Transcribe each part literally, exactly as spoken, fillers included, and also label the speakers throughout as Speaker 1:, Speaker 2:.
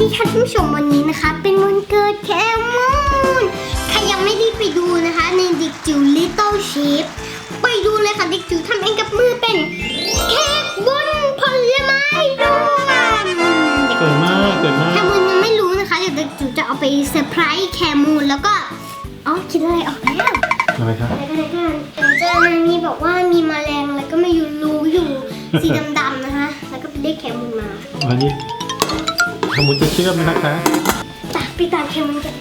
Speaker 1: ดีค่ะท่านผู้ชมวันนี้นะคะเป็นวันเกิดแคมูนใครยังไม่ได้ไปดูนะคะในเด็กจิ๋ว Little Chef ไปดูเลยค่ะเด็กจิ๋วทำเองกับมือเป็นเค้กบนผลไม้รวม
Speaker 2: เกิดมากเกิดมาก
Speaker 1: แคมูนยังไม่รู้นะคะเดี๋ยวเด็กจิ๋วจะเอาไปเซอร์ไพรส์แคมูนแล้วก็อ๋อคิดอะไรออกแล้ว
Speaker 2: อะไรครับ
Speaker 1: อะไรกันอะไรกันเจอในนี้บอกว่ามีแมลงอะไรก็ไม่อยู่รูอยู่สีดำๆนะคะแล้วก็ไปได้แคมูนมา
Speaker 2: อันนี้ขมุนจะเชื่อมนะคะ
Speaker 1: ตักไปตามแคมูนกัน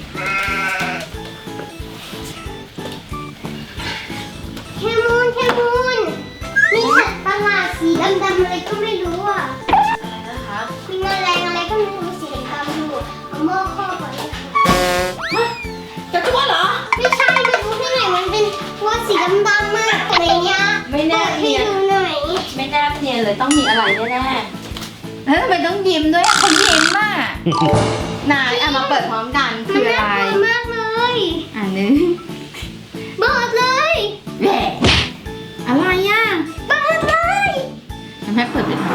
Speaker 1: แคมูนแคมูนมีสัตว์ประหลาดสีดำๆอะไรก็ไม่รู้อ่ะ
Speaker 3: อะไรนะคะ
Speaker 1: มีแมลงอะไรก็ไม่รู้สีดำๆอยู่เอาหม้อครอบไว้ค่ะ
Speaker 3: ฮะกระตัวเหรอ
Speaker 1: ไม่ใช่ไม่รู้ที่ไหนมันเป็นตัวสีดำๆมากอะไรเงี้ย
Speaker 3: ไม่แน่
Speaker 1: เปิดให้
Speaker 3: เนียน
Speaker 1: ดูหน่อย
Speaker 3: ไม่น่าเนียนเลยต้องมีอะไรแน่ๆแล้วทำไมต้องยิ้มด้วยเขายิ้มอ่ะ ไหนเอามาเปิดพร้อมกัน
Speaker 1: มัน
Speaker 3: คืออะไร
Speaker 1: น่ากลัวมากเลย
Speaker 3: อันนึง
Speaker 1: เปิดเลย
Speaker 3: แหวะอะไรอ่ะ
Speaker 1: เปิดเลย
Speaker 3: ทำให้เปิดเป็น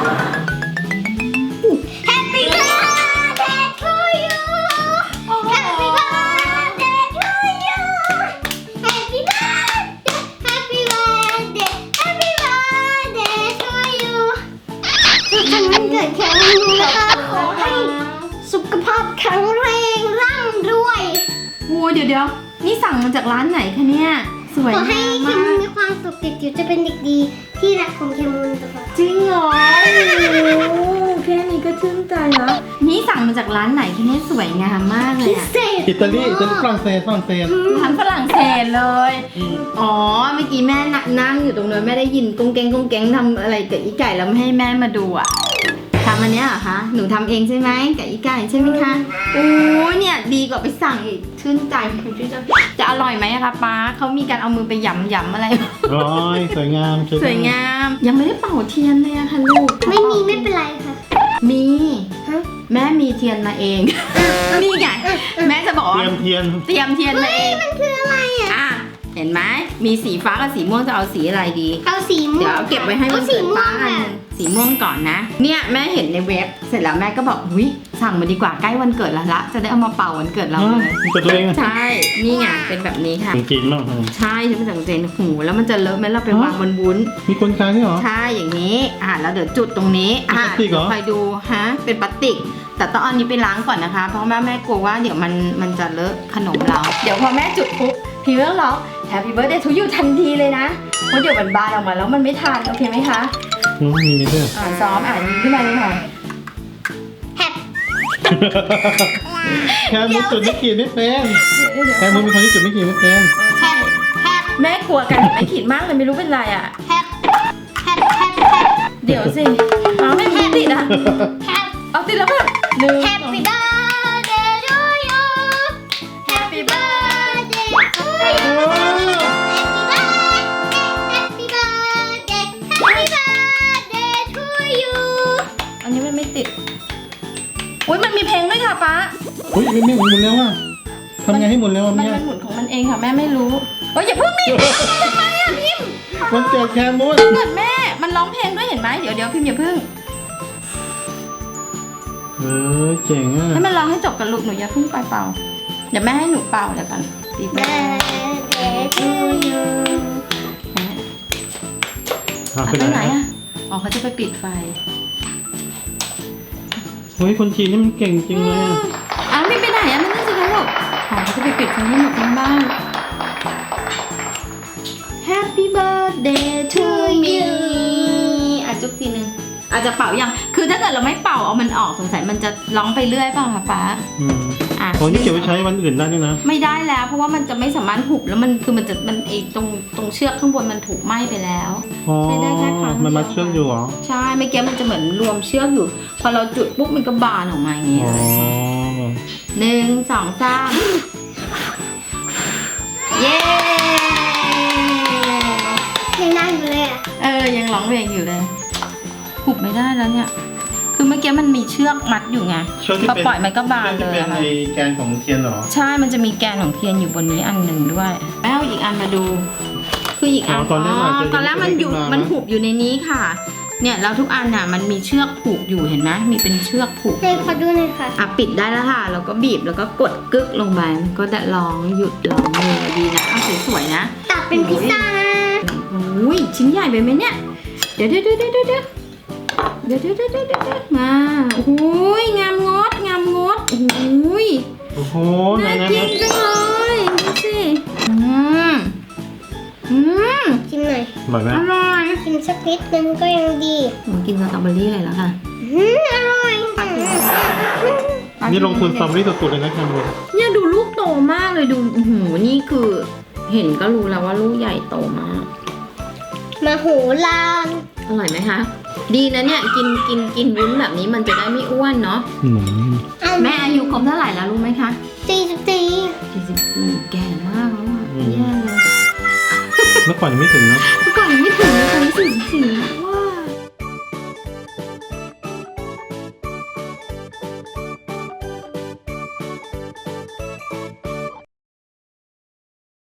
Speaker 1: Happy birthday to you Happy birthday to you Happy birthday Happy birthday Happy birthday to you สุขสันต์วันเกิดแข็งแรงนะคะขอให้สุขภาพแข็งแรงร่ำรวย
Speaker 3: โอ้เดี๋ยวเดี๋ยวนี่สั่งมาจากร้านไหนคะเนี่ยสวย
Speaker 1: ขอให้
Speaker 3: งาม
Speaker 1: เค
Speaker 3: มา
Speaker 1: มูน
Speaker 3: ก
Speaker 1: มีความสุขเด็กจิ๋วจะเป็นเด็กดีที่รักของเคมูนตลอด
Speaker 3: จริงเหรอโอ้แค่นี้ก็ชื่นใจแล้วนี่สั่งมาจากร้านไหนคะเนี่ยสวยงามมากเลย
Speaker 1: พิ
Speaker 3: อะ
Speaker 1: เศษ
Speaker 2: อิตาลีอิตาลีฝรั่งเศสฝรั่งเศส
Speaker 3: ร้านฝรั่งเศสเลย อ๋อ เมื่อกี้แม่น่ะนั่งอยู่ตรงนั้นแม่ได้ยินกุ้งแกงกุ้งแกงทำอะไรกับอีไก่แล้วไม่ให้แม่มาดูอ่ะทำอันเนี้ยเหรอคะ หนูทำเองใช่ไหมกับอีไก่ใช่ไหมคะโอ้เนี่ยดีกว่าไปสั่งอีกชื่นใจคุณชื่นใจจะอร่อยไหมอะคะป้าเขามีการเอามือไปหยำหยำอะไร
Speaker 2: ร้อยสวยงาม
Speaker 3: สวยงาม ยังไม่ได้เป่าเทียนเลยอะค่ะลูก
Speaker 1: ไม่มีไม่เป็นไรค่ะ
Speaker 3: มี
Speaker 1: ฮะ
Speaker 3: แม่มีเทียนมาเอง นี่ไงแม่จะบอก
Speaker 2: เตรี
Speaker 3: ว่าย
Speaker 2: มเทียน
Speaker 3: เตรียมเทียนมาเอง
Speaker 1: มันคืออะไรอ่ะ
Speaker 3: อ่ะเห็นไหมมีสีฟ้ากับสีม่วงจะเอาสีอะไรดี
Speaker 1: เอาสีม่วง
Speaker 3: เดี๋ยวเอาเก็บไว้ให้วัน
Speaker 1: อาสี
Speaker 3: เกิด
Speaker 1: ม่ว
Speaker 3: ป้าง อันห
Speaker 1: ค่ะ
Speaker 3: นึงสีม่วงก่อนนะ เนี่ยแม่เห็นในเว็บ เสร็จแล้วแม่ก็บอกหุยสั่งมาดีกว่าใกล้วันเกิดแล้วละจะได้เอามาเป่าวันเกิดเรา
Speaker 2: อ๋อ
Speaker 3: เลย
Speaker 2: มันตัวเองอะ
Speaker 3: ใช่ นี่ไงเป็นแบบนี้ค่ะ
Speaker 2: จริงๆมาก
Speaker 3: ใช่ใช่เป็นสังเกตหูแล้วมันจะเลอะไหมเราไปวางบนวุ้น
Speaker 2: มีคนขายด้วยเหรอ
Speaker 3: ใช่อย่างนี้ อ่ะแล้วเดี๋ยวจุดตรงนี้ อ่ะ
Speaker 2: เป็นพลาสติกเหรอ
Speaker 3: คอยดูฮะ เป็นพลาสติก แต่ต้องเอาอันนี้ไปล้างก่อนนะคะ เพราะแม่แม่กลัวว่าเดี๋ยวมันมันจะเลอะขนมเรา เดี๋ยวพอแม่จุดปุ๊บพี่เรื่องร้อง Happy Birthday to you ทันทีเลยนะ เพราะเดี๋ยวมันบานออกมาแล้วมันไม่ทานโอเคไหมคะ
Speaker 2: อืมมีด้วย
Speaker 3: อ่านซ้อมอ่านยิงขึ้นมาเลยค่ะ
Speaker 1: แฮป
Speaker 2: แค่มุนจุดไม่ขีดไม่เป็นแค่มุนเป็นคนที่จุดไม่ขีดไม่เป็น
Speaker 1: แฮปแฮป
Speaker 3: แม่กลัวกันไม่ขีดมากเลยไม่รู้เป็นไรอ่ะ
Speaker 1: แฮปแฮปแฮปแฮป
Speaker 3: เดี๋ยวสิเอาไม่มีติดอ่ะ
Speaker 1: แฮป
Speaker 3: เอาติดแล้วค่ะหนึ่ง
Speaker 1: Happy birthday to you Happy birthday to you Happy birthday Happy birthday to you
Speaker 3: อันนี้มันไม่ติดอุ้ยมันมีเพลงด้วยค่ะป๊า
Speaker 2: อุ้ยไม่ไม่หมุนแล้วอ่ะทำไงให้หมุนแล้วอ่ะ
Speaker 3: มัน
Speaker 2: เนี่ย
Speaker 3: มันหมุนของมันเองค่ะแม่ไม่รู้โอ้ยอย่าเพิ่งดิทำไมอ่ะพิมพ์
Speaker 2: วันเกิดแคมุน
Speaker 3: เกิดแม่มันร้องเพลงด้วยเห็นไหมเดี๋ยวเดี๋ยวพิมพ์อย่าเพิ่ง
Speaker 2: เออเจ๋งอ่ะ
Speaker 3: ให้มันร้องให้จบกันลูกหนูอย่าเพิ่งไปเป่าเดี๋ยวแม่ให้หนูเป่าเดี๋ยวกันตีแม่
Speaker 1: Birthday to you
Speaker 2: อ่ะ
Speaker 3: ไป
Speaker 2: ไปไห
Speaker 3: ไห
Speaker 2: น
Speaker 3: นอ่ะอ๋อเขาจะไปปิดไฟ
Speaker 2: เฮ้ยคนจีนนี่มันเก่งจริงเลยอะ
Speaker 3: อ้าวไม่ไปไหนอ่ะไม่นั่นสิคะลูกอ๋อเขาจะไปปิดไฟให้หมดทั้งบ้าน Happy birthday to me อ่ะจุ๊บทีนึงอาจจะเป่ายังคือถ้าเกิดเราไม่เป่าเอามันออกสงสัยมันจะร้องไปเรื่อยเปล่าคะป๊า
Speaker 2: อืม
Speaker 3: อ่ะ
Speaker 2: โอ้นี่เก็บไว้ใช้วันอื่นได้ด้วยนะ
Speaker 3: ไม่ได้แล้ว เพราะว่ามันจะไม่สามารถหุบแล้วมันคือมันจะมันไอตรงตรงเชือกข้างบนมันถูกไหม้ไปแล้ว
Speaker 2: อ๋อ
Speaker 3: ใช้ได้แค่ครั้งเดียว
Speaker 2: มันมัดเชือกอยู่เหรอ
Speaker 3: ใช่เมื่อกี้มันจะเหมือนรวมเชือกอยู่ พอเราจุดปุ๊บมันก็บานออกมาอย่างนี้
Speaker 2: อ๋อ
Speaker 3: หนึ่งสองสามเย้
Speaker 1: ยังนั่งอยู่เลยอ่ะ
Speaker 3: เออยังร้องเพลงอยู่เลยหุบไม่ได้แล้วเนี่ยคือเมื่อกี้มันมีเชือกมัดอยู่ไง
Speaker 2: เชือกที่
Speaker 3: พอ
Speaker 2: เป็น
Speaker 3: ปล่อยมันก็บานเลย
Speaker 2: เป็น
Speaker 3: อะค่ะ
Speaker 2: ในแกนของเทียนเหรอ
Speaker 3: ใช่มันจะมีแกนของเทียนอยู่บนนี้อันหนึ่งด้วยแล้วอีกอันมาดู คืออีกอัน
Speaker 2: อ๋อตอนแรกอาจจะ
Speaker 3: ตอนแรกมันอยู่
Speaker 2: ยังไม่ขึ้นมามั
Speaker 3: มันหุบอยู่ในนี้ค่ะเนี่ยแล้วทุกอันน่ะมันมีเชือกผูกอยู่เห็นไหมมีเป็นเชือกผูก
Speaker 1: ให้ขอดูหน่อยค่ะ
Speaker 3: อ่ะปิดได้แล้วค่ะแล้วก็บีบแล้วก็กดกึกลงไปมันก็จะร้องหยุดร้องเลยดีนะเอาสวยๆนะ
Speaker 1: ตัดเป็นพิซซ่านะ
Speaker 3: อุ้ยชิ้นใหญ่ไปไหมเนี่ยเดี๋ยวเดี๋ยวเดี๋ยวเดี๋ยวเดี๋ยวเดี๋ยวเดี๋ยวเดี๋ยวเดี๋ยวเดี๋ยวมาโอ้ยงามงดงามงดโอ้ย
Speaker 2: โอ้โห
Speaker 3: น่า
Speaker 2: นะ
Speaker 3: กินจังเลยดูสิอืมอืม
Speaker 1: ชิมหน่อย
Speaker 2: อร่อยไหม
Speaker 3: อร่อย
Speaker 1: ชิมสักนิดนึงก็ยังดี
Speaker 3: ผมกินสตรอเบอรี่เลยแล้วค่ะ
Speaker 1: อืมอร่อย
Speaker 2: นี่ลงทุนสตรอเบอรี่สุดๆเลยนะแคมูน
Speaker 3: เนี่ยดูลูกโตมากเลยดูโอ้โหนี่คือ เห็นก็รู้แล้วว่าลูกใหญ่โตมาก
Speaker 1: มาโหฬาร
Speaker 3: อร่อยไหมคะ ดีนะเนี่ยกินกินกินวุ้นแบบนี้มันจะได้ไม่อ้วนเนาะ
Speaker 2: อืม
Speaker 3: แม่อายุครบเท่าไหร่แล้วรู้ไหมคะ
Speaker 1: สี่สิบสี่
Speaker 3: สี่สิบสี่แก่มากแล้วอ่ะแย่เลย
Speaker 2: เมื่อก่อนยังไม่ถึงเนาะ
Speaker 3: เมื่อก่อนยังไม่ถึงเลยตอนนี้สี่สิบสี่